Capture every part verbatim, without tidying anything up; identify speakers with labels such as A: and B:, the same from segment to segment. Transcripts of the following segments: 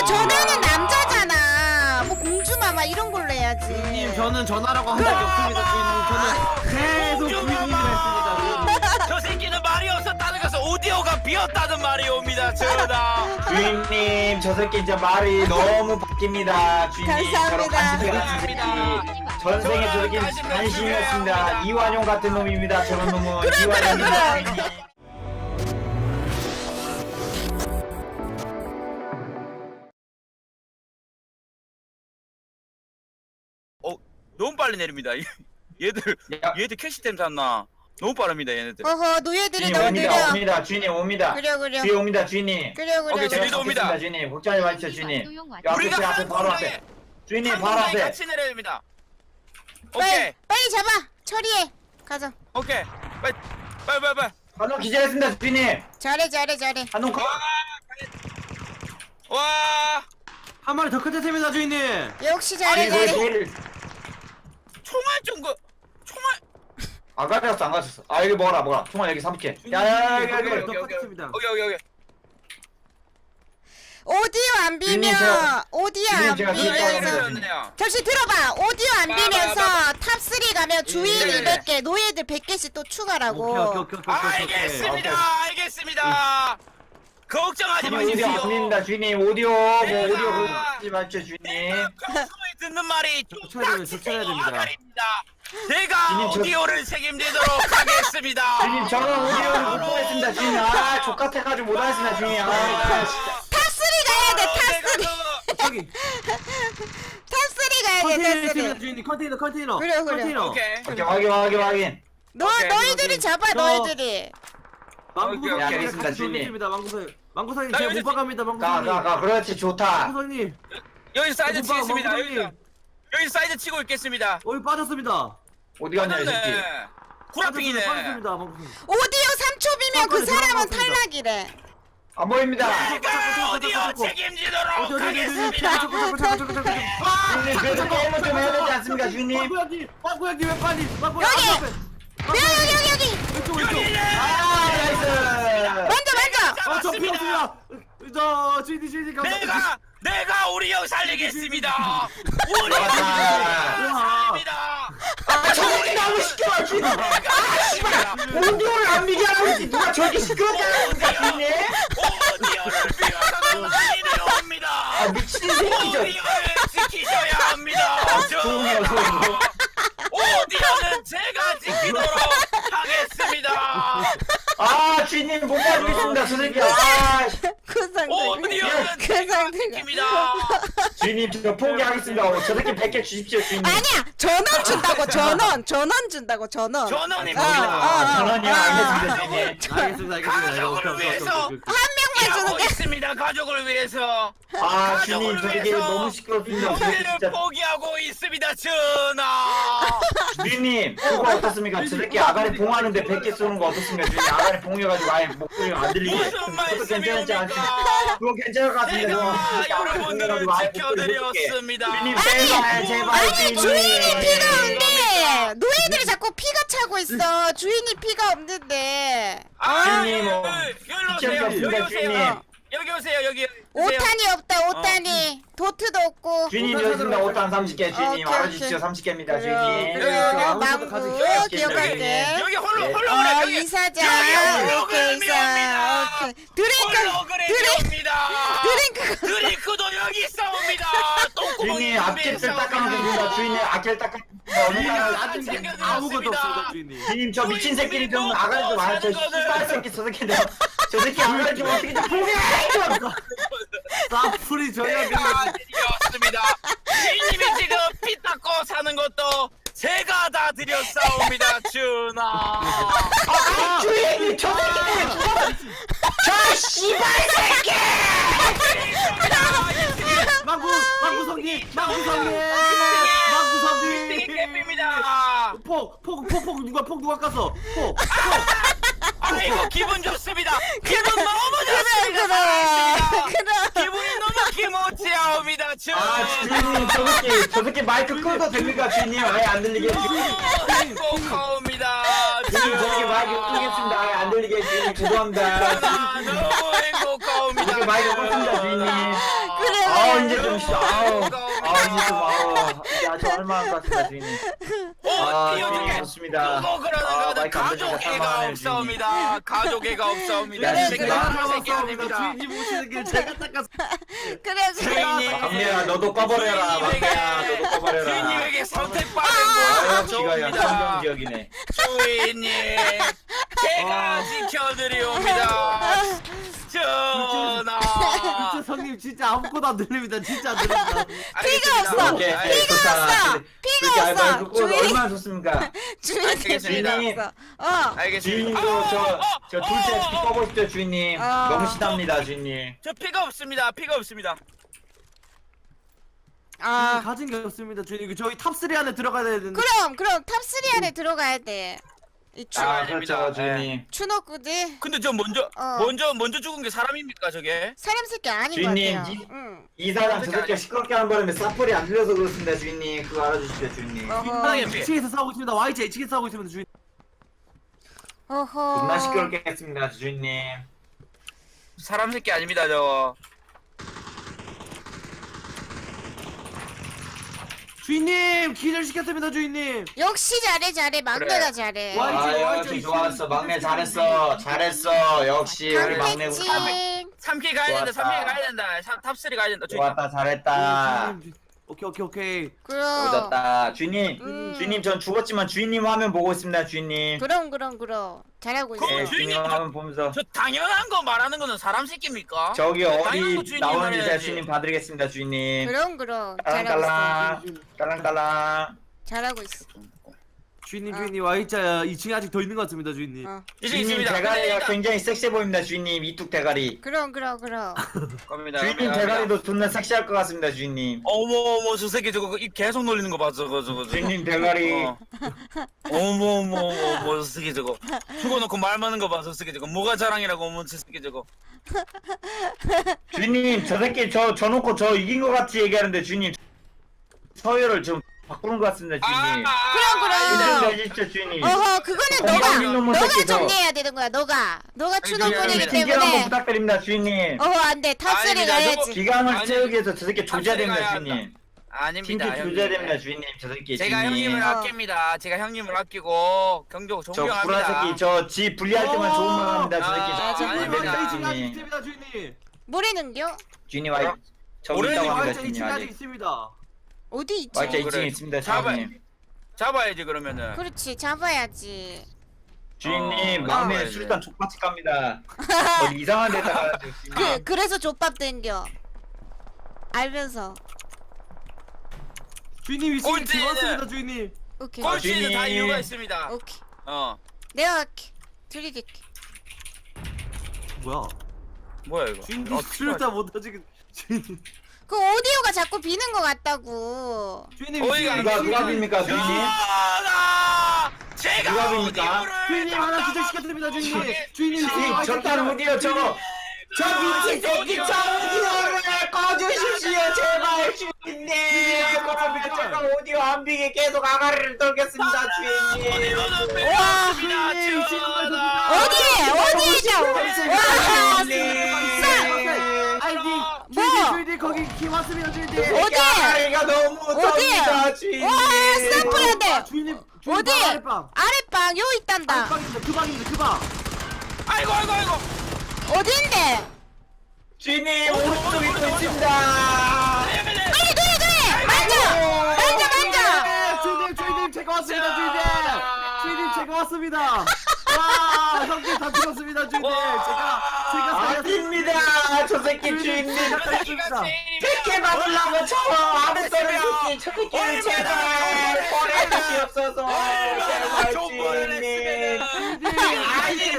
A: 전화는 남자잖아. 뭐 공주마마 이런 걸로 해야지.
B: 주인님 저는 전화라고 한 적이 없습니다. 주인님 저는 계속 부인님이라 했습니다.
C: 저 새끼는 말이 없었다는 것은 오디오가 비었다는 말이 옵니다. 전하.
D: 주인님 저 새끼 진짜 말이 너무 바뀝니다. 주인님 저런
A: 감사합니다.
D: 간신히 같은 새끼 전생에 저 새끼 간신이었습니다. 이완용 같은 놈입니다. 저런 놈은 이완용입니다. 주인님.
C: 어 너무 빨리 내립니다. 얘들
D: 야.
C: 얘들 캐시템 샀나? 너무 빠릅니다 얘네들.
A: 어허 노예들이
D: 주인님
A: 너무
D: 옵니다
A: 느려.
D: 옵니다 주인님 옵니다.
A: 그래 그래.
D: 뒤에 옵니다 주인님.
A: 그래 그래.
C: 오케이,
A: 그래.
C: 저희도 옵니다.
D: 겠습니다 주인님. 걱정하지 마십시오 주인님. 요 앞에
C: 우리가
D: 제 앞에
C: 한
D: 바로
C: 공장에
D: 앞에. 주인님
C: 한
D: 바로
C: 공장에
D: 앞에.
C: 같이 내려야 됩니다.
A: 빨리
C: 오케이
A: 빨리 잡아. 처리해. 가자.
C: 오케이 빨리 빨리 빨리 빨리.
D: 한놈 기절했습니다 주인님.
A: 잘해 잘해 잘해.
D: 한놈 컷.
C: 와
B: 한 마리 더 끝냈습니다 주인님.
A: 역시 잘해
D: 아니 왜
A: 잘해.
D: 제일
C: 총알 좀그 총알.
D: 안 가졌어 안 가졌어. 아 여기 먹어라 먹어라. 총알 여기 삼 개. 야야야 여기
B: 한 마리
D: 여기.
B: 더
C: 오케이, 오케이.
B: 끝냈습니다.
C: 오케이 오케이 오케이.
A: 오디오 안
D: 주인님,
A: 비면
D: 제가-
A: 오디오
D: 주인님,
A: 안
D: 제가
A: 비면서
C: 내려왔네요.
A: 잠시 들어봐. 오디오 안
C: 봐,
A: 비면서
C: 봐,
A: 탑삼 가면 주인
C: 네, 네.
A: 이백 개 노예들 백 개씩 또
B: 오케이
A: 추가라고.
B: 오케이 오케이 오케이 오케이, 오케이.
C: 알겠습니다 알겠습니다. 걱정하지
D: 주인님 오디오
C: 마십시오.
D: 안 됩니다 주인님. 오디오 뭐
C: 내가-
D: 오디오 그거 하지 마십시오 주인님.
C: 평소에 듣는 말이
B: 쫓아야 됩니다, 쫓아야 됩니다.
C: 아가리입니다. 제가
D: 주님, 저-
C: 오디오를 책임지도록 하겠습니다.
D: 주인님 저는 오디오를 못 보겠습니다 주인님. 아 족같아가지고 못하겠습니다 주인님. 아 진짜.
A: 탑삼 가야 돼. 탑삼.
B: 저기
A: 탑삼 가야 돼.
B: 컨테이너 있습니다
A: 탑삼.
B: 주인님. 컨테이너 컨테이너.
A: 그래, 그래.
B: 컨테이너.
C: 오케이.
D: 오케이 확인 확인 확인.
A: 너
C: 오케이,
A: 너희들이
B: 오케이.
A: 잡아
B: 저-
A: 너희들이.
B: 망구석
C: 오케이,
D: 알겠습니다,
B: 같이
D: 주인님.
B: 돌리겠습니다. 망구석. 망구석님
C: 나
B: 제가
C: 여기서
B: 못 박합니다.
D: 가
B: 망구석님.
D: 가 가 그렇지 좋다.
B: 망구석님.
C: 여기 사이드
B: 못 박아,
C: 치겠습니다.
B: 망구석님.
C: 여기서 여기 사이드 치고 있겠습니다.
B: 어이 빠졌습니다.
D: 어디 갔냐 이 새끼.
C: 빠졌네. 구라핑이네.
B: 빠졌습니다. 망구석님.
A: 오디오 삼 초비면 그
B: 잠깐만요,
A: 사람은
B: 들어갔습니다.
A: 탈락이래.
D: 안 보입니다.
C: 제가 오디오
B: 어디, 어디,
C: 책임지도록
B: 어디, 어디, 어디,
C: 하겠습니다.
B: 저거, 저거, 저거, 저거, 저거, 저거.
D: 주인님 그래도 게임을 좀 해야 되지 않습니까 주인님?
B: 망구야기, 망구야기 왜 빨리? 망구야
A: 여기!
B: 앞에.
A: 여기 여기 여기.
B: 왼쪽 왼쪽.
D: 아 나이스.
A: 먼저 먼저.
B: 아저 피었습니다. 저 주인님 주인님 감사합니다.
C: 내가 내가 우리 형 살리겠습니다. 우리 형
B: 우와.
C: 살리겠습니다.
D: 아 저기 너무 시끄러워 주인님. 아 씨발 오디오를 안 미게 하고 있지. 누가 저기 시끄럽게 하는 거야 주인님?
C: 오디오를 위해서는 많이 내려옵니다.
D: 아 미친 새끼 저.
C: 오디오를 지키셔야 합니다.
D: 조용해요 조용해.
C: 오디오는 제가 지키도록 하겠습니다.
D: 아 주인님 못 봐주겠습니다 저 새끼. 아 씨.
A: 그 상태.
C: 오디오는
A: 그
C: 제가
A: 상태가.
C: 지킵니다.
D: 주인님 저 포기하겠습니다. 어, 저 새끼 백 개 주십시오 주인님.
A: 아니야 전원 준다고 전원 전원 준다고 전원.
C: 전원입니다.
A: 아, 아,
D: 전원이요
A: 아,
D: 알겠습니다
A: 아.
D: 주인님.
B: 알겠습니다. 알겠습니다.
C: 가족을
B: 오케이, 오케이,
C: 위해서.
B: 오케이, 오케이.
A: 한 명만
C: 하고
A: 주는 게.
C: 있습니다. 가족을 위해서.
D: 아 주인님 저 새끼 너무 시끄럽습니다. 저 새끼
C: 우리를
D: 진짜.
C: 포기하고 있습니다. 전하.
D: 주인님 그거 어떻습니까? 저 새끼 아가리 봉하는데 백 개 쏘는 거 어떻습니까? 주인님 아가리 봉해가지고 아예 목소리가 안 들리게.
C: 무슨
D: 그것도 괜찮지 않습니까?
C: 말씀입니까?
D: 그거 괜찮을 것 같습니다.
C: 제가
D: 저
C: 여러분들을 지켜드렸습니다.
D: 주인님 제발 제발
A: 아니 주인이 피가 없는데
C: 이겁니다.
A: 노예들이 자꾸 피가 차고 있어. 주인이 피가 없는데.
C: 아,
D: 주인님,
C: 여기,
D: 뭐,
C: 여기 오세요.
D: 귀찮게
C: 여기
D: 없습니다,
C: 오세요.
D: 주인님.
C: 여기 오세요. 여기 오세요.
A: 오탄이 없다 오탄이. 도트도 없고.
D: 주인님 여기 있습니다. 오탄 삼십 개 주인님
A: 오케이,
D: 알아주십시오.
A: 오케이.
D: 삼십 개입니다
A: 그래,
D: 주인님.
A: 그래,
B: 아무것도
A: 망구
B: 가지고
A: 기억할게.
C: 여기 홀로
D: 네.
C: 홀로
A: 어,
C: 그래. 여기
A: 이사장.
C: 여기
A: 오케이,
C: 홀로그램이
A: 이사.
C: 옵니다.
A: 오케이. 드링크,
C: 홀로그램이
A: 드링크,
C: 옵니다.
A: 드링크.
C: 드링크도 여기 있습니다. 똥구멍이
D: 주인님 앞길 닦아놓은 됩니다. 주인님 앞길 닦아. 어느 날
B: 아직 아무것도 없습니다 주인님.
D: 주인님 저 미친 새끼를 좀 아가리 좀 알아. 저 씨발 새끼 저 새끼 내가 저 새끼 아가리 좀 어떻게 좀 포기해 좀.
B: 사풀이 저희가
C: 제가 드렸습니다. 주인님이 지금 피 닦고 사는 것도 제가 다 드렸사옵니다. 준아.
D: 아 주인님 저 새끼 저 씨발 새끼.
B: 망구 망구성님 망구성님
C: 이
B: 망구성님
C: 캡입니다.
B: 폭폭폭폭 누가 폭 누가 깠어 폭
C: 아이고 기분 좋습니다. 기분 너무
A: 그래
C: 좋습니다.
A: 그래. 그래.
C: 기분이 너무 기모찌하옵니다. 준.
D: 아 주인님 저 새끼 저 새끼 마이크 끄도 됩니까 주인님 아예 안 들리게.
C: 행복하옵니다.
D: 주인님 저 새끼 마이크 끄겠습니다. 아예 안 들리게 주인님 죄송합니다.
C: 아, 너무 행복하옵니다.
D: 이렇게 마이크 껐습니다 주인님.
A: 그래
D: 아 좀 씨, 아우, 아 이제 좀 아우, 이제 아주 할만한 것 같습니다, 주인님. 아,
C: 띄워줄게.
D: 좋습니다.
C: 그거 그러는
D: 아,
C: 거는
D: 마이크 안 들리니까
C: 가족애가
D: 사과하네요,
C: 없사옵니다. 가족애가 없사옵니다.
D: 야,
C: 새끼
D: 진짜.
C: 나쁜 새끼 아닙니다.
B: 주인님 오시는 길 제가 닦아서
A: 그래 그래.
C: 주인님.
D: 막내야, 너도 꺼버려라, 막내야, 너도 꺼버려라.
C: 주인님에게 선택받은
D: 아유,
C: 거
D: 지가 야
C: 좋습니다.
D: 성경 지역이네.
C: 주인님, 제가 지켜드리옵니다. 전하.
B: 진짜 성님 진짜 아무것도 안 들립니다. 진짜 안 들립니다.
A: 피가 없어.
D: 오케이,
A: 피가
D: 좋다.
A: 없어.
D: 그렇게
A: 피가
D: 알바
A: 없어.
D: 그거
A: 주인
D: 얼마나 좋습니까?
A: 주인이
C: 알겠습니다.
A: 피가 없어. 어.
C: 알겠습니다.
D: 주인님도 저, 저 둘째 피 꺼보십시오, 주인님.
A: 어.
D: 너무 시답니다, 주인님.
C: 저 피가 없습니다. 피가 없습니다.
A: 아.
B: 가진 게 없습니다. 주인님 저희 탑쓰리 안에 들어가야 되는데.
A: 그럼 그럼 탑쓰리 안에 들어가야 돼. 이 추,
D: 아,
C: 아닙니다.
D: 그렇죠, 주인님.
A: 추노꾸지
C: 근데 저 먼저
A: 어.
C: 먼저 먼저 죽은 게 사람입니까 저게?
A: 사람 새끼 아닌
D: 주인님,
A: 것 같아요.
D: 이-
A: 응.
D: 이 사람 저 새끼가 시끄럽게 하는 바람에 사플이 안 들려서 그렇습니다, 주인님. 그거 알아주십시오, 주인님.
A: 어허.
C: 편하게 피.
B: 이 층에서 싸우고 있습니다. 와이지 이 층에서 싸우고 있습니다. 주인.
A: 어허.
D: 존나 시끄럽게 했습니다, 주인님.
C: 사람 새끼 아닙니다 저.
B: 주인님 기절시켰습니다. 주인님.
A: 역시 잘해 잘해 막내가
C: 그래.
A: 잘해.
B: 와,
D: 아,
B: 와이즈,
D: 역시
B: 와이즈
D: 좋았어. 막내 잘했어. 잘했어. 역시 우리 막내
A: 강태찡.
C: 삼킬 가야 된다.
D: 좋았다.
C: 삼킬 가야 된다. 삼- 탑쓰리 가야 된다. 주인님.
D: 좋았다, 잘했다.
B: 주인님, 주- 오케이 오케이 오케이.
A: 그럼.
D: 오졌다. 주인님,
A: 음.
D: 주인님 전 죽었지만 주인님 화면 보고 있습니다, 주인님.
A: 그럼 그럼 그럼 잘하고 있어.
C: 그럼
D: 네,
C: 주인님,
D: 주인님 화면 보면서.
C: 저 당연한 거 말하는 거는 사람 새끼입니까?
D: 저기
C: 당연한 거
D: 어디
C: 주인님
D: 나오는지 제가
C: 말해야지.
D: 주인님 봐드리겠습니다, 주인님.
A: 그럼 그럼 잘하고 있어.
D: 깔랑깔랑, 깔랑깔랑.
A: 잘하고 있어.
B: 주인님
A: 어.
B: 주인님 와이자 이 층에 아직 더 있는 것 같습니다. 주인님.
A: 어.
C: 이제
D: 주인님
C: 있습니다.
D: 대가리가
C: 근데
D: 굉장히 섹시해 보입니다, 주인님. 이뚝 대가리.
A: 그럼 그럼 그럼.
C: 겁니다.
D: 주인님
C: 겁니다.
D: 대가리도 존나 섹시할 것 같습니다, 주인님.
C: 어머 어머 저 새끼 저거 입 계속 놀리는 거 봐 저거 저거 저거.
D: 주인님 대가리.
C: 어. 어머 어머 어머 어머 저 새끼 저거 죽어놓고 말 많은 거 봐 저 새끼 저거 뭐가 자랑이라고 어머 저 새끼 저거.
D: 주인님 저 새끼 저 저놓고 저 이긴 것 같이 얘기하는데 주인님 서열을 좀 바꾸는 것 같습니다, 주인님.
A: 그럼, 그럼.
D: 인정 좀 해주십시오, 주인님.
A: 어허 그거는
D: 어,
A: 너가
D: 이놈의
A: 너가
D: 새끼, 저.
A: 정리해야 되는 거야 너가 너가 추노꾼이기
C: 미안합니다.
D: 기강 한번
A: 때문에.
D: 부탁드립니다, 주인님.
A: 어허 안돼 탑쓰리
C: 아닙니다,
A: 가야지.
C: 저거-
D: 기강을
C: 아니,
D: 채우기 위해서 저 새끼 조져야
C: 탑승이
D: 됩니다,
C: 가야
D: 주인님.
C: 아닙니다.
D: 틴트
C: 형님.
D: 조져야 됩니다, 주인님. 저 새끼,
C: 제가
D: 주인님.
C: 형님을
A: 어.
C: 아낍니다. 제가 형님을 아끼고 경적
D: 저
C: 존경합니다.
D: 구라 새끼 저 지 분리할 때만 좋은 말 합니다, 저 새끼.
C: 아,
D: 저
C: 아니,
D: 안
C: 아니,
D: 됩니다,
C: 아니,
B: 이 층에 아직
D: 주인님.
B: 있습니다. 주인님.
A: 뭐라는겨?
D: 주인님 와이 저기
C: 오렌지
D: 있다고 합니다,
B: 와이자 이
D: 주인님
B: 층에 아직
D: 아직.
B: 있습니다.
A: 어디 있지?
D: 와이자 이 층에
C: 그래.
D: 있습니다,
C: 잡아
D: 주인님.
C: 잡아야지 그러면은.
A: 그렇지 잡아야지.
D: 주인님
C: 어,
D: 막내
C: 잡아야지.
D: 술단 족같이 갑니다. 어디 이상한 데다가 주인님.
A: 그 그래서 족밥 땡겨. 알면서.
B: 주인님 이 층에
C: 꼴찌는-
B: 들어왔습니다. 주인님.
A: 오케이
D: 꼴-
C: 꼴찌는 다
D: 주인님.
C: 이유가 있습니다.
A: 오케이.
C: 어
A: 내가 할게. 들이댈게.
B: 뭐야?
C: 뭐야 이거?
B: 주인님
C: 어떻게
B: 술을
C: 하지?
B: 다 못하지. 주인님.
A: 그 오디오가 자꾸 비는 것 같다고.
B: 주인님
C: 어이가
B: 이 층에
D: 누가 누가
B: 있습니다.
D: 빕니까, 주인님?
C: 전하! 제가
D: 누가 봅니까?
C: 어디를
B: 주인님 하나
C: 담당하고
B: 기절시켰습니다. 주인님.
C: 있는지
B: 주인님
D: 주인님 저딴 오디오 저거 저 미친 새끼 저 오디오를 꺼주십시오, 제발 주인님. 그러면 제가 오디오 안 비게 계속 아가리를 떨겠습니다, 주인님.
C: 어디로는 빼
A: 와,
C: 없습니다.
B: 주인님,
C: 전하!
A: 어디에 어디에 있냐고. 와.
B: 아이디
A: 뭐?
B: 주인님 주인님 거기 키 왔습니다. 주인님.
A: 어디?
D: 아가리가 너무
A: 어디?
D: 덥니다, 주인님.
A: 와 스탬프야 돼.
B: 아, 주인님 주인님
A: 어디?
B: 방, 아랫방.
A: 아랫방 요 있단다.
B: 아랫방입니다. 그 방입니다. 그 방.
C: 아이고 아이고 아이고.
A: 어딘데?
D: 주인님 오른쪽에 또 있습니다.
C: 네, 네, 네.
A: 빨리 그래 그래. 만져 만져 만져.
B: 네, 주인님 주인님 제가 왔습니다. 주인님. 주인님 제가 왔습니다. 와 형님 다 죽었습니다. 주인님. 제가 제가
D: 아닙니다, 저 새끼 주인님.
C: 저 새끼가 제일이야.
D: 백해 받으려고 저 안에 떠는 새끼 저 새끼를 제발 보내주시옵소서. 제발 주인님. 아니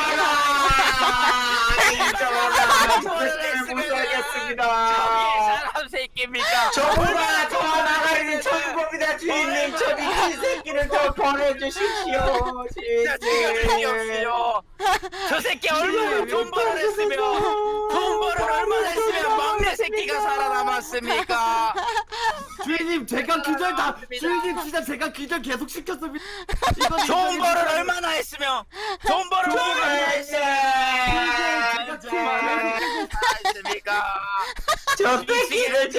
D: 저라 아니 저라 저 새끼를 못 살겠습니다.
C: 저기 사람 새끼입니까?
D: 저보다 더 나가리는 천국입니다, 주인님. 저 미친 새끼를 더 보내주십시오,
C: 진짜 제가 새끼
D: 주인님.
C: 없어요. 저 새끼 얼마나 돈 벌을 했으면 돈 벌을 얼마나 했으면 막내 새끼가 살아남았습니까?
B: 주인님 제가 기절 다 주인님 진짜 제가 기절 계속 시켰습니다. 이건
C: 돈
B: 인정해
C: 벌을
B: 주세요.
C: 얼마나 했으면 돈 벌을 얼마나 했습니까?
D: 저 새끼를 제발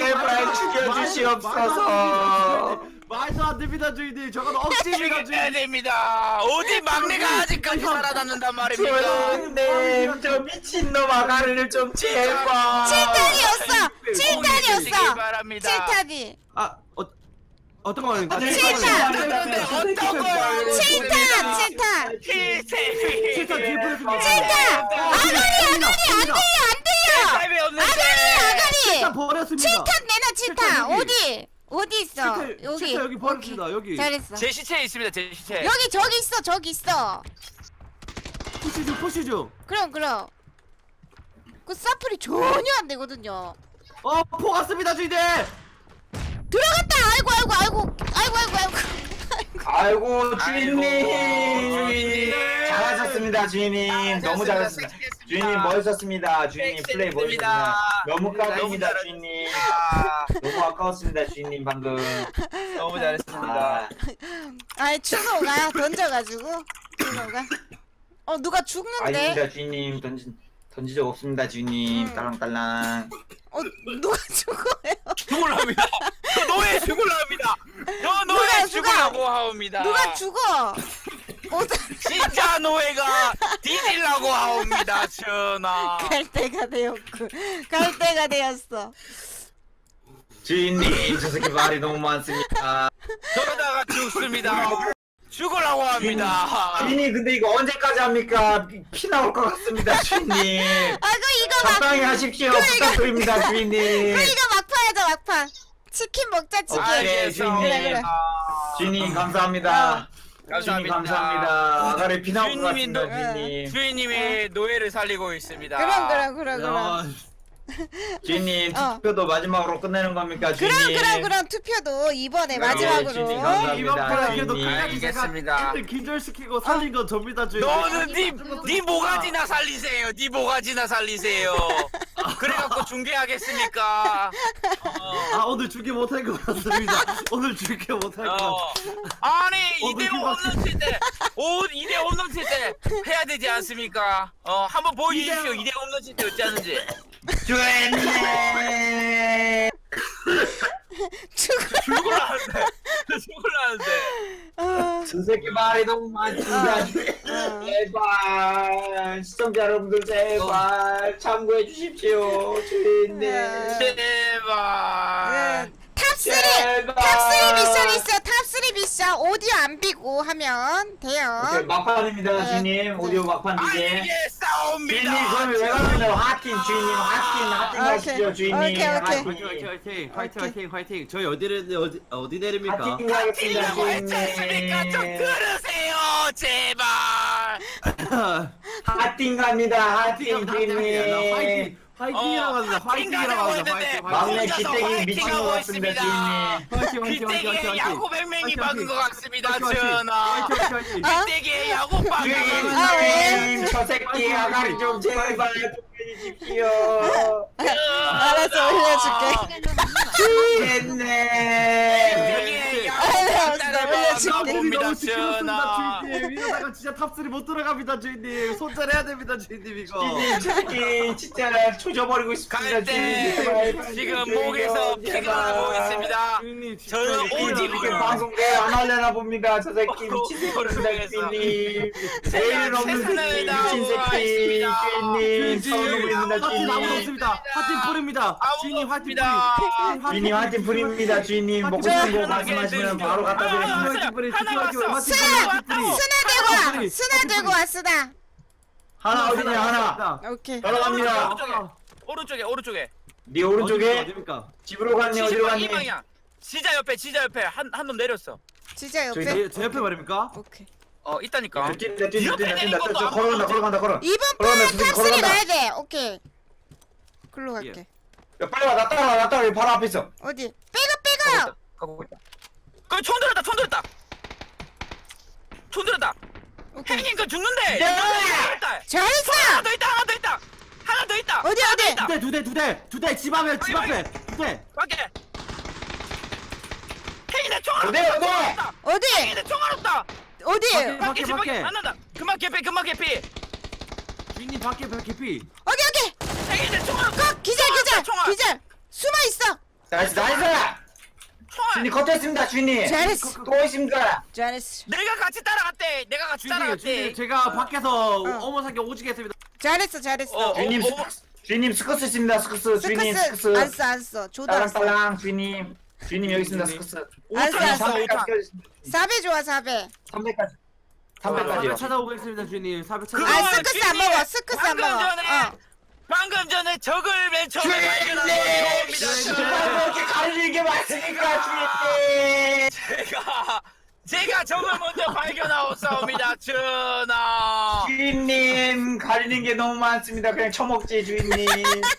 D: 제발 죽여주시옵소서.
B: 말도 안 됩니다 주인님. 저건 억지입니다
C: 해야
B: 주인님.
C: 됩니다. 어디 막내가 아직까지 살아남는단 말입니까?
D: 주인님 저 미친놈 아가리를 좀 제발.
A: 칠탄이었어.
C: 주시기
A: 칠탄이었어.
C: 바랍니다.
A: 칠탄이.
B: 아 어, 어떤 거입니까?
A: 칠탄!
C: 어떤 거요?
A: 칠탄 칠탄.
C: 칠세.
B: 칠탄 뒤에 보냈습니다.
A: 칠탄. 아가리 아가리 안 들려 안 들려.
C: 칠탑이 없는데.
A: 아가리.
B: 칠탄 버렸습니다.
A: 칠탄 내놔 칠탄.
B: 칠탄 여기.
A: 어디? 어디 있어?
B: 칠탄,
A: 여기.
B: 칠탄 여기 버렸습니다. 여기.
A: 잘했어.
C: 제 시체에 있습니다. 제 시체.
A: 여기 저기 있어 저기 있어.
B: 푸시 중 푸시 중.
A: 그럼 그럼. 그 사플이 전혀 안 되거든요.
B: 어, 포 갔습니다 주인님.
A: 들어갔다. 아이고 아이고 아이고 아이고 아이고 아이고.
D: 아이고 주인님.
C: 주인님.
D: 잘하셨습니다 주인님. 너무 잘하셨습니다. 주인님 멋있었습니다. 주인님 플레이 멋있었습니다. 너무 까입니다
C: 너무
D: 주인님.
C: 아,
D: 너무 아까웠습니다 주인님 방금.
C: 너무 잘했습니다.
D: 아,
A: 아이 추노가 던져가지고 추노가. 어 누가 죽는데?
D: 아닙니다 주인님. 던지 던진 적 없습니다 주인님.
A: 음.
D: 딸랑딸랑.
A: 어 누가 죽어요?
C: 죽을랍니다. 저 노예 죽을랍니다. 저
A: 누가,
C: 노예
A: 누가?
C: 죽으라고 하옵니다.
A: 누가 죽어? 어,
C: 진짜 노예가 뒤질라고 하옵니다. 전하.
A: 갈 때가 되었고 갈 때가 되었어.
D: 주인님 저 새끼 말이 너무 많습니다.
C: 저러다가 죽습니다. 죽으라고 합니다.
D: 주인님 근데 이거 언제까지 합니까? 피, 피 나올 것 같습니다 주인님.
A: 아이고 이거 막
D: 적당히 하십시오. 부탁드립니다 주인님.
A: 그 이거 막판이다 막판. 치킨 먹자 치킨.
D: 오케이, 주인님.
A: 그래, 그래.
D: 주인님 감사합니다. 주인님
C: 감사합니다.
D: 감사합니다. 아가리 피 나올 것
C: 주인님이
D: 같습니다
A: 노-
D: 주인님.
C: 주인님이 노예를 살리고 있습니다.
A: 그럼 그럼 그럼 그럼.
B: 야,
D: 주인님
A: 어.
D: 투표도 마지막으로 끝내는 겁니까 주인님?
A: 그럼 그럼 그럼 투표도 이번에
D: 네,
A: 마지막으로.
D: 주인님
B: 이번
D: 감사합니다
B: 판에도
D: 주인님.
B: 끝까지 제가
C: 알겠습니다.
B: 애들 기절시키고 살린 건 접니다 주인님.
C: 너는 니, 니 모가지나 살리세요. 니 모가지나 살리세요. 그래갖고 중계하겠습니까? 어.
B: 아 오늘 죽게 못할 것 같습니다. 오늘 죽게 못할 것
C: 어.
B: 같습니다.
C: 아니
B: 어,
C: 이대로
B: 느낌
C: 홈런 칠때 이 대 홈런 칠 때 해야 되지 않습니까? 어 한번 보여주십시오. 이 대 홈런 칠 때 어찌 하는지.
D: 주인님.
A: 죽어.
C: 죽을라는데 죽을라는데
A: 아,
D: 저 새끼 말이 너무 많습니다.
A: 어.
D: 제발 시청자 여러분들 제발 참고해 주십시오 주인님.
A: 네.
C: 제발.
A: 탑쓰리
D: 제발.
A: 탑쓰리 미션 있어. 탑쓰리 미션 오디오 안 비고 하면 돼요.
D: 오케이, 막판입니다
A: 네.
D: 주인님. 오디오 막판
C: 아니
D: 이제.
C: 이게 싸웁니다.
D: 주인님 그럼 왜 가는데요? 하팀 주인님 하팀 하팀
A: 오케이.
D: 가시죠 주인님.
A: 오케이, 오케이.
B: 화이팅
D: 하팀.
B: 화이팅 화이팅 화이팅 화이팅 화이팅. 저희 어디 내리 어디 어디 내립니까?
D: 하팀 가겠습니다
C: 틀리라고 했지 않습니까? 좀
D: 주인님.
C: 들으세요 제발.
D: 하팀 갑니다 하팀 주인님.
B: 화이팅 화이팅이라고 합니다. 화이팅이라고 합니다. 화이팅
D: 막내
B: 화이팅.
D: 기대기 미친 것 같습니다 주인님.
B: 화이팅 화이팅 화이팅
C: 빗대기에
B: 화이팅.
C: 야구 백맹이
B: 화이팅,
C: 박은
B: 화이팅.
C: 것 같습니다
B: 화이팅, 화이팅.
C: 전하.
B: 화이팅 화이팅 화이팅.
A: 어?
C: 빗대기에 야구 박은
D: 주인님
A: 아, 왜?
D: 주인님 저 새끼 아가리 좀 제발 돕겨주십시오.
A: 알았어 올려줄게.
D: 됐네.
A: 알았어 올려줄게.
B: 몸이
C: 봅니다
B: 너무 시끄럽습니다
C: 전하.
B: 주인님. 이러다가 진짜 탑쓰리 못 들어갑니다 주인님. 손절해야 됩니다 주인님 이거.
D: 주인님 저 새끼 진짜 조져버리고 싶습니다
C: 갈
D: 주인님.
C: 때
D: 제발
C: 지금
D: 주인님,
C: 목에서
D: 제발.
C: 피가 나고 있습니다.
B: 주인님 진짜
C: 저는
B: 이거
C: 오직
D: 이렇게
C: 오늘
D: 방송 내일 안 하려나 봅니다. 저 새끼 미친 새끼입니다 주인님. 내일 없는 새끼 미친 새끼 주인님. 서운입니다
B: 하팀 아무도
D: 주인님.
B: 없습니다. 하팀 뿌립니다. 주인님 하팀 뿌리.
C: 없습니다.
D: 주인님 한팀 풀입니다 주인님. 먹고 싶은 거 말씀하시면 바로 갖다 드리겠습니다.
C: 하나 왔어.
A: 스나
B: 뿌리.
A: 스나 들고 와. 스나 들고 와 스나.
D: 하나 어디냐 하나.
A: 오케이.
D: 걸어갑니다.
C: 오른쪽에 오른쪽에.
D: 네 오른쪽에
B: 어디입니까?
D: 집으로 갔니 어디로
C: 이
D: 갔니?
C: 방향. 지자 옆에 지자 옆에 한 한 놈 내렸어.
A: 진짜
D: 저기
A: 옆에.
B: 제, 제 옆에 말입니까?
A: 오케이.
C: 어 있다니까.
D: 뛴다 뛴다 뛴다 뛴다 뛴다 걸어간다 걸어간다 걸어.
A: 이번
D: 걸어간다,
A: 판
D: 주님,
A: 탑쓰리
D: 걸어간다.
A: 가야 돼. 오케이. 글로 갈게.
D: 야 빨리 와나 따라와 나 따라와 바로 앞에 있어.
A: 어디? 백업 백업.
C: 가고 있다. 그총 들었다 총 들었다. 총 들었다.
A: 오케이.
C: 행인 거 죽는데.
D: 네.
C: 죽는다.
A: 잘했어.
C: 하나 더 있다 하나 더 있다. 하나 더 있다.
A: 어디,
C: 하나 더
A: 어디?
C: 있다.
B: 두 대, 두 대, 두 대, 두 대, 집 앞에, 집 앞에, 두 대.
C: 밖에. 행인의 총알
D: 어디,
C: 없다.
D: 어디?
C: 총알 없다.
A: 어디?
C: 행인의 총알 없다.
A: 어디?
B: 밖에.
C: 밖에 집 밖에
B: 밖에.
C: 안 난다. 그만 개피 그만 개피.
B: 주인님 밖에, 밖에 피.
A: 어디 어디?
C: 행인의 총알 없다.
A: 거 기절 기절
C: 총알.
A: 기절. 숨어 있어.
D: 나이스 나이스. 주인님 컷했습니다 주인님.
A: 잘했어.
D: 또 있습니다.
A: 잘했어.
C: 내가 같이 따라갔대. 내가 같이
B: 주인님
C: 따라갔대.
B: 주인님 제가 밖에서
A: 어.
B: 어머사기 오지게 했습니다.
A: 잘했어 잘했어.
C: 어,
D: 주인님
C: 어,
D: 스커스 주인님 스커스 있습니다 스커스 주인님
A: 스커스
D: 스커스.
A: 안 써 안 써. 줘도 안 써.
D: 딸랑딸랑 주인님 주인님 여기 있습니다 스커스.
A: 안 써, 안 써.
D: 삼백까지 껴주십니다.
A: 사 배 좋아 사 배.
D: 삼백까지
B: 사배
D: 삼백까지요.
B: 찾아오겠습니다 주인님. 사배 찾아.
C: 그거-
A: 아 스크스 안 먹어. 스크스 안
C: 방금
A: 먹어.
C: 전에
A: 어.
C: 방금 전에 적을 맨 처음에 발견한
D: 주인님
C: 건
D: 정말 뭐 이렇게 가리는 게 맞습니까 주인님.
C: 제가 제가 적을 먼저 발견하고 싸웁니다. 전하.
D: 주인님 가리는 게 너무 많습니다. 그냥 처먹지 주인님.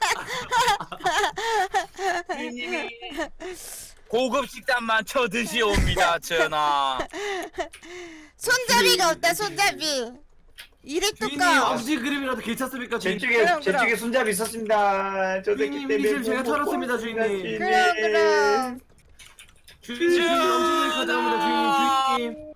C: 주인님이 고급 식단만 쳐 드시옵니다. 전하.
A: 손잡이가 없다 손잡이. 이래
B: 주인님
A: 뚜까.
B: 엄지 그림이라도 괜찮습니까
D: 제
B: 주인님?
D: 쪽에
A: 그럼,
D: 제
A: 그럼.
D: 쪽에 손잡이 있었습니다. 저 새끼
B: 주인님,
D: 때문에
B: 이님 제가
D: 못
B: 털었습니다,
D: 먹고
B: 주인님.
D: 있습니다,
A: 그럼 그럼.
B: 주인님 주인님 엄지 그림 가져옵니다 주인님.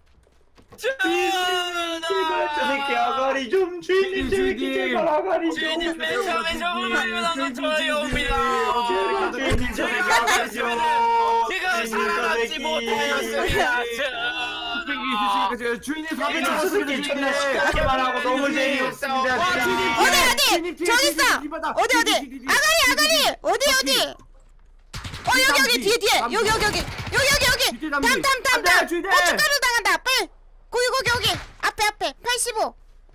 B: 주인님.
C: 전하.
D: 저 새끼 아가리 좀 주인님 저 새끼
B: 주인님.
D: 제발 아가리 좀.
C: 주인님 맨 처음에 적을 발견한 건 저희옵니다.
D: 주인님 저 새끼
C: 제가
D: 아가리 좀.
C: 지금 살아남지 못하였습니다.
B: 땡기 있으십니까 제가 주인님 사배
D: 주인님 저
B: 찾았습니다
D: 새끼 존나
B: 주인님.
D: 시끄럽게만 하고 너무 재미없습니다.
B: 와, 주인님.
A: 어디 어디
B: 주인님,
A: 저기
B: 주인님,
A: 있어.
B: 주인님, 주인님,
A: 어디 어디
B: 주인님, 주인님,
A: 아가리 아가리
B: 주인님.
A: 어디 어디. 어 여기 여기 뒤에 뒤에 여기 여기 여기 여기 여기 여기
B: 뒤에 남기.
A: 탐탐탐탐
B: 안 돼, 주인님.
A: 고춧가루 당한다 빨리 거기 거기 여기 앞에 앞에 팔십오.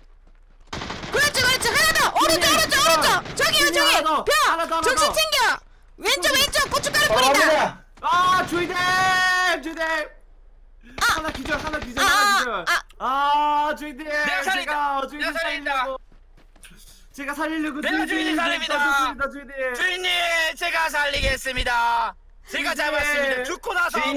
A: 그렇지 그렇지 하나 더 오른쪽
B: 주인님.
A: 오른쪽 오른쪽 저기요
B: 주인님, 하나 더.
A: 저기
B: 하나 더, 하나
A: 벼 정신
B: 더.
A: 챙겨 왼쪽 왼쪽 고춧가루 뿌린다.
D: 바랍니다.
B: 아 주인님 주인님. 하나 기절 하나 기절 하나 기절.
A: 아,
B: 아 주인님
C: 내가 살린다.
B: 제가 주인님
C: 내가 살린다.
B: 살리려고 제가 살리려고
C: 내가 주인님 살립니다.
B: 떴습니다, 주인님.
C: 주인님 제가 살리겠습니다. 제가 잡았습니다. 죽고 나서
D: 주인님.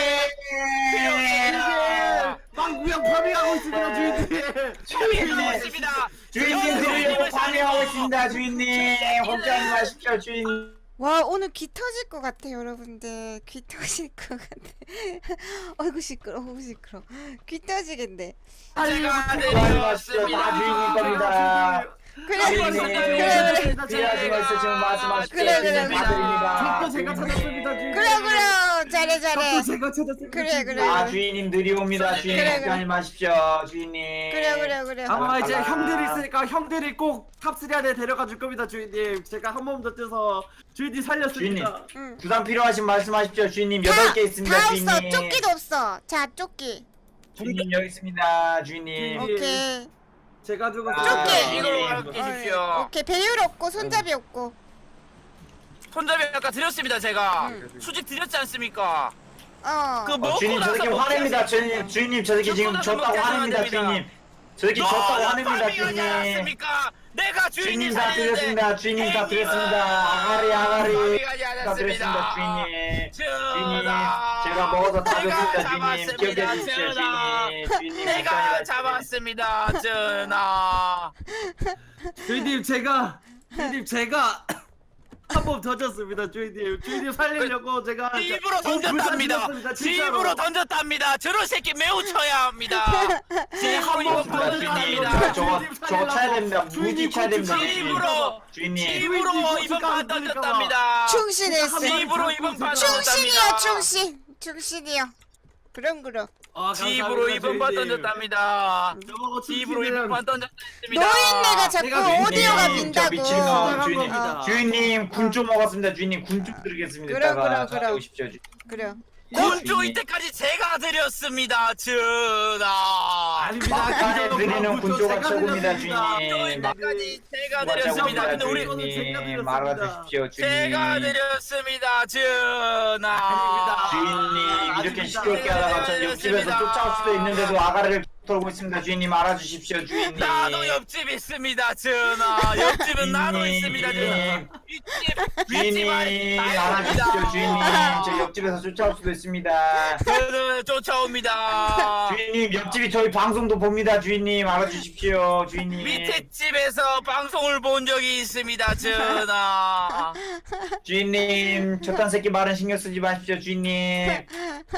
B: 주인님 망구형 파밍하고 있습니다 주인님.
C: 주인님 있습니다.
D: 주인님 들으려고 반응하고 있습니다 주인님. 걱정하지 마십시오 주인님.
A: 와 오늘 귀 터질 것 같아 여러분들 귀 터질 것 같아. 어이구 시끄러 어이구 시끄러 귀 터지겠네.
C: 제가
D: 걱정하지 마십시오. 다 주인님 겁니다.
A: 그래
B: 주인님.
A: 그래 그래 그래
D: 필요하신 거 있으시면 말씀하십시오.
A: 그래, 그래,
D: 주인님
A: 그래.
D: 받드립니다.
B: 저도 제가 찾았습니다 주인님.
A: 그래 그래 잘해 잘해.
B: 저도 제가 찾았습니다.
A: 그래,
B: 주인님.
A: 그래.
D: 아 주인님 느리옵니다. 주인님
A: 그래,
D: 걱정하지 마십시오. 주인님.
A: 그래 그래 그래.
B: 아마 이제
D: 아.
B: 형들이 있으니까 형들이 꼭 탑쓰리 안에 데려가 줄 겁니다 주인님. 제가 한 몸 더 뛰어서 주인님 살렸습니다.
A: 응.
D: 부담 필요하신 말씀하십시오. 주인님
A: 다-
D: 여덟 개 있습니다.
A: 다
D: 주인님.
A: 없어 조끼도 없어. 자 조끼.
D: 주인님 여기 있습니다. 주인님.
B: 주인님.
A: 오케이.
B: 제가 주고
D: 아,
A: 조끼.
C: 이걸로
D: 주인님.
C: 가르치십시오.
A: 어, 오케이 배율 없고 손잡이 없고.
C: 손잡이 아까 드렸습니다. 제가
A: 응.
C: 수직 드렸지 않습니까?
A: 어.
C: 그
D: 어,
C: 먹고
D: 주인님 저
C: 나서
D: 새끼
C: 먹지
D: 화냅니다.
C: 않습니까?
D: 주인님 주인님 저 새끼 지금
C: 먹고 나서
D: 졌다고
C: 먹지
D: 화냅니다.
C: 않습니다.
D: 주인님. 저 새끼 졌다고
C: 너는
D: 화냅니다.
C: 파밍하지
D: 주인님.
C: 않았습니까? 내가 주인님
D: 주인님 다
C: 살리는데
D: 드렸습니다. 주인님 다
C: 행님은
D: 드렸습니다. 아가리 아가리
C: 파밍하지
D: 다 드렸습니다.
C: 않았습니다.
D: 주인님. 주인님
C: 전하.
D: 제가 먹어서 다
C: 내가
D: 줬습니다. 주인님 기억해
C: 잡았습니다.
D: 주십시오.
C: 전하.
D: 주인님. 주인님
C: 내가
D: 걱정하지 마십시오.
C: 잡았습니다. 전하.
B: 주인님 제가 주인님 제가 한 몸 더 졌습니다 주인님. 주인님 살리려고 제가
C: 집으로
B: 너무
C: 던졌답니다.
B: 불쌍했습니다, 진짜로.
C: 집으로 던졌답니다. 저런 새끼 매우 쳐야 합니다. 집으로 이번
B: 번 더
C: 던졌답니다.
D: 저거 저거 쳐야 됩니다. 무지 쳐야 됩니다.
C: 집으로
D: 주인님.
C: 집으로 이번 판 던졌답니다.
A: 충신했어.
C: 집으로 이번 판
A: 충신이야
C: 던졌답니다.
A: 충신. 충신이요. 그럼 그럼.
B: 아,
C: 집으로 이번 판 던졌답니다.
B: 저거
C: 집으로
B: 충신이랑
C: 이번 판 던졌습니다.
A: 노인네가 자꾸
B: 내가 주인님,
A: 오디오가
D: 저
A: 빈다고.
D: 미친놈 주인님.
B: 겁니다.
D: 주인님 군 좀 먹었습니다. 주인님 군 좀 드리겠습니다.
A: 그럼,
D: 이따가
A: 그럼,
D: 저한테
A: 그럼.
D: 오십시오. 주-
A: 그래.
C: 군조 이때까지 제가 드렸습니다. 전하.
B: 아닙니다.
D: 막간에
B: 그저도
D: 드리는
B: 방금
D: 군조가
B: 제가
D: 최고입니다.
B: 드렸습니다.
D: 주인님. 막-
C: 이때까지 제가
D: 맞아,
C: 드렸습니다.
D: 맞아,
C: 근데 우리
D: 주인님 말아주십시오. 주인님.
C: 제가 드렸습니다. 전하.
B: 아닙니다.
D: 주인님 이렇게
B: 아닙니다.
D: 시끄럽게 하다가 전 옆집에서 쫓아올 수도 있는데도 아가리를 털고 있습니다. 주인님 알아주십시오. 주인님.
C: 나도 옆집 있습니다. 전하. 옆집은 나도 있습니다. 전하. 윗집 윗집
D: 주인님
C: 아니
D: 알아주십시오. 주인님 저 옆집에서 쫓아올 수도 있습니다.
C: 저는 쫓아옵니다.
D: 주인님 옆집이 저희 방송도 봅니다. 주인님 알아주십시오. 주인님.
C: 밑에 집에서 방송을 본 적이 있습니다. 전하.
D: 주인님 저딴 새끼 말은 신경 쓰지 마십시오. 주인님.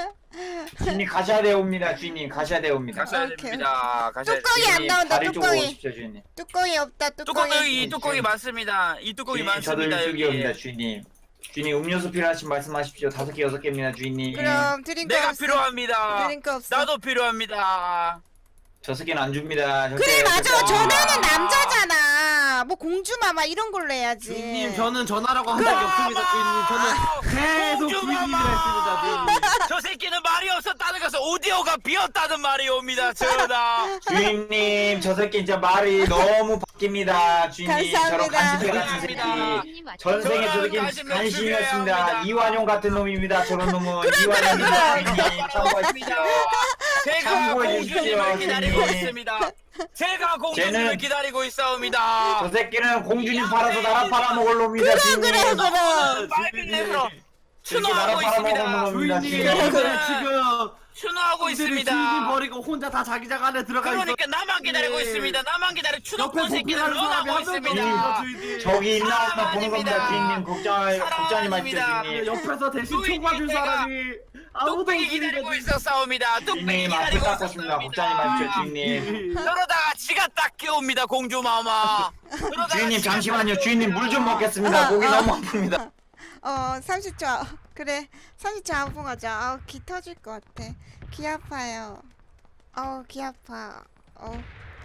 D: 주인님 가셔야 되옵니다. 주인님 가셔야 되옵니다.
C: 가셔야
A: 오케이.
C: 됩니다. 가셔야
A: 뚜껑이
C: 됩니다.
A: 안 나온다
D: 다리 쪽으로
A: 뚜껑이.
D: 오십시오. 주인님.
A: 뚜껑이 없다
C: 뚜껑
A: 뚜껑이.
C: 여기 이 뚜껑이 많습니다. 이 뚜껑이
D: 주인님 저도
C: 많습니다.
D: 이쪽이 옵니다.
C: 여기.
D: 주인님. 주인님 음료수 필요하신 말씀하십시오. 다섯 개 여섯 개입니다 주인님.
A: 그럼 드링크
C: 내가
A: 없어.
C: 필요합니다.
A: 드링크 없어.
C: 나도 필요합니다.
D: 저섯 개는 안 줍니다. 절대,
A: 그래 맞아.
D: 절대 안
A: 전화는
D: 줍니다.
A: 남자잖아. 뭐 공주마마 이런 걸로 해야지.
B: 주인님 저는 전화라고 한 적이 없습니다 주인님. 저는 계속 주인님이라 했습니다 주인님.
C: 저 새끼는 말이 없었다는 것은 오디오가 비었다는 말이 옵니다. 전하.
D: 주인님 저 새끼 진짜 말이 너무 바뀝니다. 주인님 저런
A: 감사합니다.
D: 간식배 같은 새끼. 전생에 저 새끼
C: 관심
D: 간신이었습니다.
C: 합니다.
D: 이완용 같은 놈입니다. 저런 놈은
A: 그래,
D: 이완용입니다.
A: 그래.
D: 주인님 참고하십시오.
C: 제가
D: 참고해
C: 공주님을
D: 주십시오,
C: 기다리고
D: 주인님.
C: 있습니다. 제가 공주님을
D: 쟤는-
C: 기다리고 있사옵니다.
D: 저 새끼는 공주님 팔아서 나라 팔아먹을 놈이다.
A: 그래
D: 주인님.
A: 그래 그래.
C: 빨간 내로
D: 저렇게 나라
C: 추노하고
D: 팔아먹을
C: 있습니다.
D: 놈입니다.
B: 주인님
D: 주인님.
B: 그래, 지금
C: 추노하고
B: 분들이
C: 있습니다.
B: 주인님 버리고 혼자 다 자기장 안에 들어가 있어.
C: 그러니까 나만 기다리고
B: 네.
C: 있습니다. 나만 기다려
B: 옆에
C: 추노꾼 새끼를
B: 복귀하는 사람이
C: 런하고
B: 한 명도
C: 있습니다.
B: 없어 주인님.
D: 저기 있나 없나 보는 겁니다.
C: 사랑합니다.
D: 주인님 걱정 걱정하지 마십시오.
C: 사랑합니다.
D: 주인님.
B: 옆에서 대신 총
C: 주인님,
B: 봐줄
C: 내가
B: 사람이 아무도
C: 뚝배기
B: 없습니다.
C: 기다리고 있었사옵니다. 뚝배기
D: 주인님 앞에
C: 기다리고
D: 닦았습니다. 걱정하지 마십시오. 주인님.
B: 주인님.
C: 그러다가 지가 딱 끼옵니다. 공주마마. 그러다가
D: 주인님
C: 지가
D: 잠시만요.
C: 딱
D: 주인님 물 좀 먹겠습니다. 목이 너무 아픕니다.
A: 어 삼십 초. 그래 삼십 초 안봉 하자. 아우 귀 터질 것 같아. 귀 아파요. 어우 귀 아파. 어.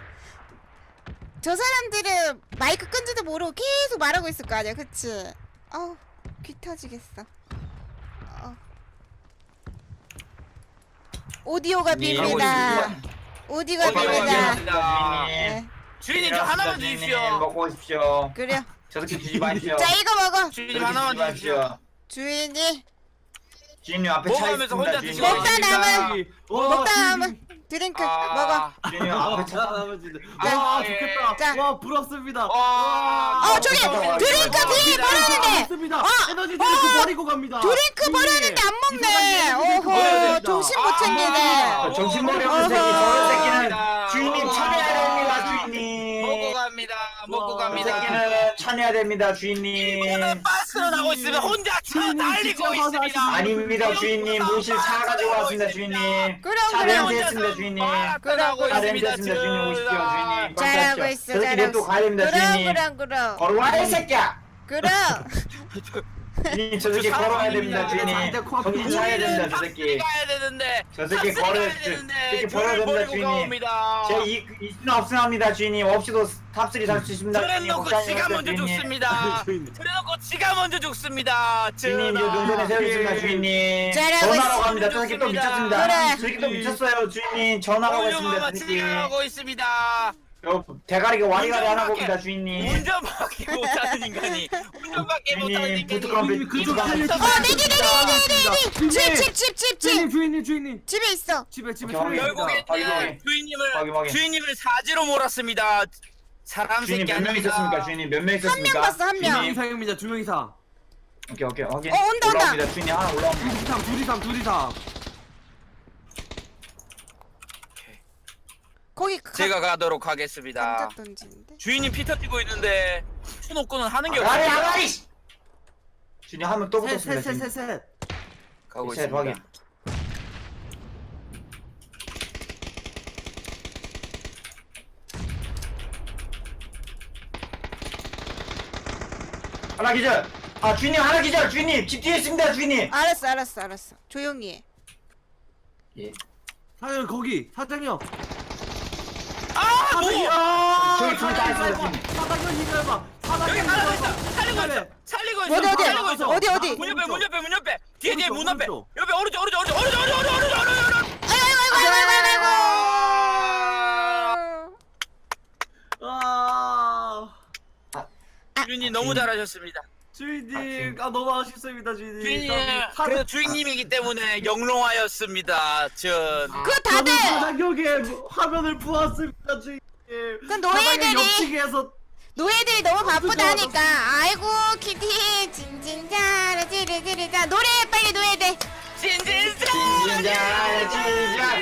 A: 저 사람들은 마이크 끈지도 모르고 계속 말하고 있을 거 아니야, 그치? 어우 귀 터지겠어. 어. 오디오가
D: 주인님,
A: 빕니다. 오디오가
C: 오디오가
A: 빕니다.
C: 빕니다.
A: 네,
C: 주인님 저 하나만 주십시오.
D: 먹고 오십시오.
A: 그래요.
D: 저렇게 주지 마십시오.
A: 자 이거 먹어.
C: 주인님
D: 저렇게
C: 하나만
D: 주지
C: 주십시오.
D: 마십시오.
A: 주인이
D: 주인님 앞에 차
C: 먹으면서
D: 있습니다.
C: 혼자
D: 주인님.
C: 드시고
A: 먹다 남은
B: 와,
A: 먹다
B: 주인님.
A: 남은 드링크
C: 아,
A: 먹어.
D: 주인님 앞에 차.
B: 와
C: 예.
B: 좋겠다.
A: 자.
B: 와 부럽습니다.
C: 와.
A: 어 저기
D: 어,
A: 드링크
D: 어,
A: 뒤에 버렸는데.
B: 없습니다.
A: 어,
B: 에너지 드링크
A: 어.
B: 버리고 갑니다.
A: 드링크
B: 주인님.
A: 버렸는데 안 먹네.
B: 이상한 드링크 버려야
A: 오호
B: 됩니다.
A: 정신 못
C: 아,
A: 챙기네.
D: 정신머리
A: 어허.
D: 없는 새끼. 저런 새끼는
C: 아,
D: 주인님
C: 어.
D: 참여해야 됩니다.
C: 먹고
D: 주인님.
C: 갑니다. 먹고
B: 와.
D: 이
C: 갑니다.
D: 새끼는 참여해야 됩니다. 주인님.
C: 이거는 빠스로 나고 있으면 혼자 차
B: 주인님
C: 달리고
B: 진짜
C: 있습니다.
B: 화사하십니다.
D: 아닙니다. 주인님. 모실 차 가지고 왔습니다. 주인님.
A: 그럼
D: 차
A: 그럼
D: 렌트 했습니다. 주인님.
C: 빠스나고
D: 차 렌트
C: 있습니다.
D: 했습니다. 주인님 오십시오. 주인님.
A: 잘하고 있어
D: 저렇게
A: 잘하고
D: 냅둬
A: 있어.
D: 가야 됩니다.
A: 그럼
D: 주인님.
A: 그럼 그럼
D: 걸어와 이 새끼야.
A: 그럼.
D: 주인님 저 새끼
C: 저
D: 걸어야 됩니다.
C: 사람입니다.
D: 주인님. 정신 차려야 됩니다. 저 새끼.
C: 가야 되는데.
D: 저 새끼
C: 탑승
D: 걸어-
C: 가야
D: 저-
C: 되는데
D: 저 새끼
C: 저를
D: 버려야 됩니다,
C: 버리고
D: 주인님.
C: 가옵니다.
D: 제가 이 이수는 없습니다. 주인님. 없이도 탑쓰리 살 수 있습니다. 주인님.
C: 그래놓고
D: 걱정하지
C: 지가
D: 마세요,
C: 먼저
D: 주인님.
C: 죽습니다.
B: 주인님.
C: 그래놓고 지가 먼저 죽습니다.
D: 주인님 저
C: 전하.
D: 눈전에 세우겠습니다. 주인님.
A: 잘하고
D: 전화라고
A: 있어.
D: 합니다. 저 새끼 또 미쳤습니다.
A: 그래.
D: 저 새끼 또 미쳤어요. 주인님. 전화라고 했습니다.
C: 공주마마
D: 저 새끼.
C: 진행하고 있습니다.
D: 저 대가리가 와리가리 하나 봅니다. 주인님.
C: 운전밖에 못하는 인간이 운전밖에 못하는
D: 주인님.
C: 인간이
D: 부트크럼
B: 주인님 그쪽
D: 이쪽으로
B: 살려
D: 한번
A: 어 내기 내기 내기 내기.
B: 주인님.
A: 집집집집
B: 주인님
A: 집.
B: 주인님 주인님
A: 집에 있어.
B: 집에 집에
D: 오케이,
B: 살려
C: 결국에
D: 확인, 확인.
C: 주인님을
D: 확인, 확인.
C: 주인님을 사지로 몰았습니다. 사람
D: 주인님
C: 새끼
D: 몇 명
C: 아닙니다.
D: 있었습니까? 주인님 몇 명 있었습니까?
A: 명 봤어, 한 명.
B: 두 명
D: 주인님.
B: 이상입니다. 두 명 이상.
D: 오케이 오케이 확인.
A: 어, 온다, 온다.
D: 올라옵니다. 주인님 하나 올라옵니다.
B: 둘 이상 둘 이상 둘 이상.
A: 거기 가,
C: 제가 가도록 하겠습니다.
A: 감자 던지는데.
C: 주인님 피 터지고 있는데 추노꾼은 하는 게
D: 아가리
C: 없습니다.
D: 아가리. 주인님 한 명 또 붙었습니다. 주인님.
B: 셋셋셋셋.
C: 가고
D: 셋,
C: 있습니다.
D: 확인. 하나 기절. 아 주인님 하나 기절. 주인님 집 뒤에 있습니다. 주인님.
A: 알았어 알았어 알았어. 조용히 해.
D: 예.
B: 사장님 거기 사장님.
C: 아,
B: 사장님.
C: 뭐?
B: 아,
D: 저기 둘다
B: 사장님
D: 있어요,
B: 이거 해봐. 사장님 이거 해봐. 사장님
C: 여기
B: 이거
C: 살리고
B: 해봐.
C: 있어. 살리고 있어.
B: 그래.
C: 살리고 있어.
A: 어디 어디
C: 살리고 있어.
A: 어디 어디.
C: 문 옆에 문 옆에 문 옆에 뒤에 뒤에 문
B: 오른쪽,
C: 앞에
B: 오른쪽.
C: 옆에 오른쪽 오른쪽 오른쪽 오른쪽 오른쪽 오른쪽 오른쪽 오른쪽 오른쪽
A: 아이고 아이고 아이고 아이고 아이고.
B: 아.
C: 주인님 너무 잘하셨습니다.
B: 주인님 아 너무 아쉽습니다 주인님.
C: 주인님
B: 사-
C: 그래도 주인님이기 때문에 영롱하였습니다. 전
A: 그
B: 저는
A: 다들
B: 사장님의 화면을 보았습니다 주인님.
A: 그 노예들이-
B: 사장님 옆치기에서
A: 노예들이 너무 바쁘다니까. 아이고 키티 진진자라 지리지리자 노래 빨리 노예들.
C: 진진자
D: 진진자 진진자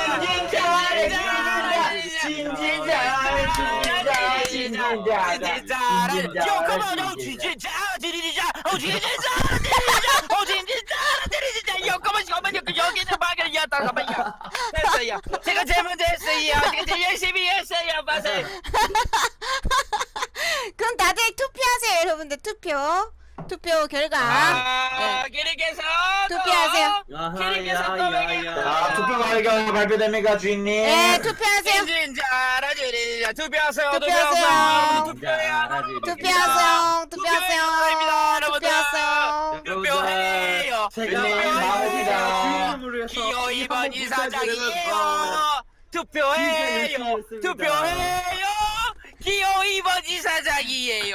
D: 진진자 진진자 진진자 진진자
C: 요거만 진진자 지리자 어 진진자 지리자 어 진진자 지리자 요거만 요거만 여기는 막을 야 잠깐만요. 했어요. 제가 제일 먼저 했어요. 제가 제일 열심히 했어요. 맞아요.
A: 그럼 다들 투표하세요 여러분들 투표. 투표. 투표 결과
C: 아,
A: 네.
C: 기리께서
A: 투표하세요.
D: 자, 투표 결과 발표됩니까, 주인님?
A: 네, 투표하세요.
C: 인진자라 주리자 투표하세요.
A: 투표하세요.
C: 투표해야
A: 투표하세요. 투표하세요.
C: 투표입니다, 여러분들.
A: 투표하세요.
C: 투표해요.
D: 주인님 나옵니다.
C: 기호 이 번 이사장이에요. 투표해요. 투표해요. 기호 이 번 이사장이에요.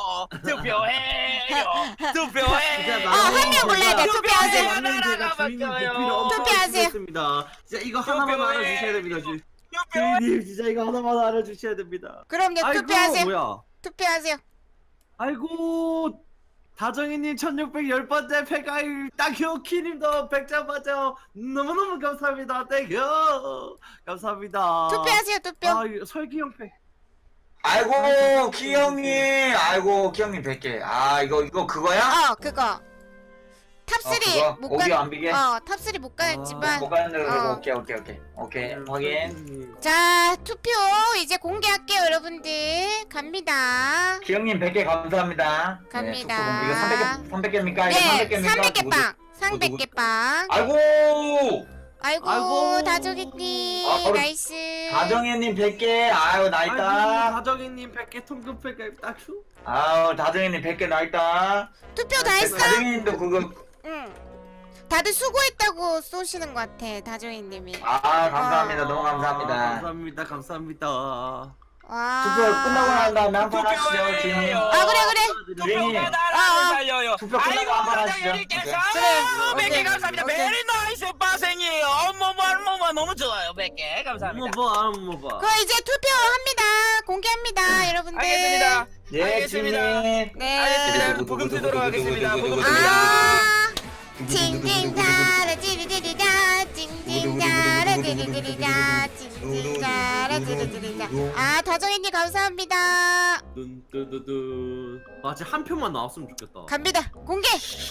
C: 투표해요. 투표해요.
A: 아, 한 명 골라야 돼. 투표하세요. 투표하세요.
B: 진짜 이거 하나만 알아주셔야 됩니다. 주- 주인님 진짜 이거 하나만 알아주셔야 됩니다.
A: 그럼요.
B: 아이고
A: 투표하세요.
B: 뭐야?
A: 투표하세요.
B: 아이고 다정이님 천육백십 번째 패가일 딱요 키님도 백 점 맞죠? 너무너무 감사합니다. 땡큐 감사합니다.
A: 투표하세요. 투표.
B: 아 이거 설기형 패.
D: 아이고, 키형님. 아이고, 키형님 백 개. 아, 이거, 이거 그거야?
A: 어, 그거. 탑쓰리
D: 어, 그거?
A: 못
D: 오디오
A: 가.
D: 안 비게?
A: 어, 탑쓰리 못 가였지만.
D: 뭐 가는데,
A: 어.
D: 오케이, 오케이, 오케이. 오케이, 확인.
A: 자, 투표 이제 공개할게요, 여러분들. 갑니다.
D: 키형님 백 개 감사합니다.
A: 갑니다.
D: 네, 투표 이거 삼백 개, 삼백 개입니까? 이거
A: 네,
D: 삼백 개입니까?
A: 삼백 개
D: 누구-
A: 빵. 삼백 개 빵.
D: 아이고!
A: 아이고,
B: 아이고.
A: 다조기님.
D: 아, 바로
A: 나이스.
D: 다정혜님 백 개. 아유, 나
B: 아이고
D: 있다.
B: 다정이님 백 개 통금 패가일 딱큐.
D: 아유, 다정혜님 백 개 나 있다.
A: 투표 다 했어?
D: 다정혜님도 그거.
A: 응. 다들 수고했다고 쏘시는 것 같아, 다조이님이.
D: 아, 감사합니다. 너무
B: 아,
D: 감사합니다.
B: 감사합니다. 감사합니다.
A: 와.
D: 투표 끝나고 난 다음에 한판 하시죠, 주인님.
A: 아, 그래, 그래.
D: 주인님.
C: 투표가
A: 아,
C: 나라를
A: 아.
C: 살려요.
D: 투표 끝나고
C: 아이고,
D: 한번 하시죠.
C: 사장님께서
A: 그래.
C: 백 개
A: 오케이.
C: 감사합니다.
A: 오케이.
C: 베리 나이스 빠생이에요. 어머머, 어머머, 너무 좋아요. 백 개 감사합니다.
B: 뭐봐 안 뭐봐.
A: 그거 이제 투표합니다. 공개합니다, 여러분들.
C: 알겠습니다.
D: 예,
C: 알겠습니다.
D: 주인님.
A: 네.
C: 알겠습니다. 부금 쓰도록 하겠습니다. 부금
A: 아, 징징자라 지리지리자, 징징자라 지리지리자, 징징자라 지리지리자. 아, 다정이님 감사합니다.
B: 뚠뚜두두. 아 진짜 한 표만 나왔으면 좋겠다.
A: 갑니다. 공개.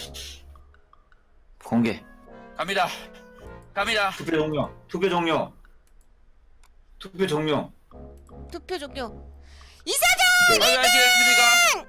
D: 공개.
C: 갑니다. 갑니다.
D: 투표 종료. 투표 종료. 투표 종료.
A: 투표 종료. 이사장
C: 어디 가시겠습니까?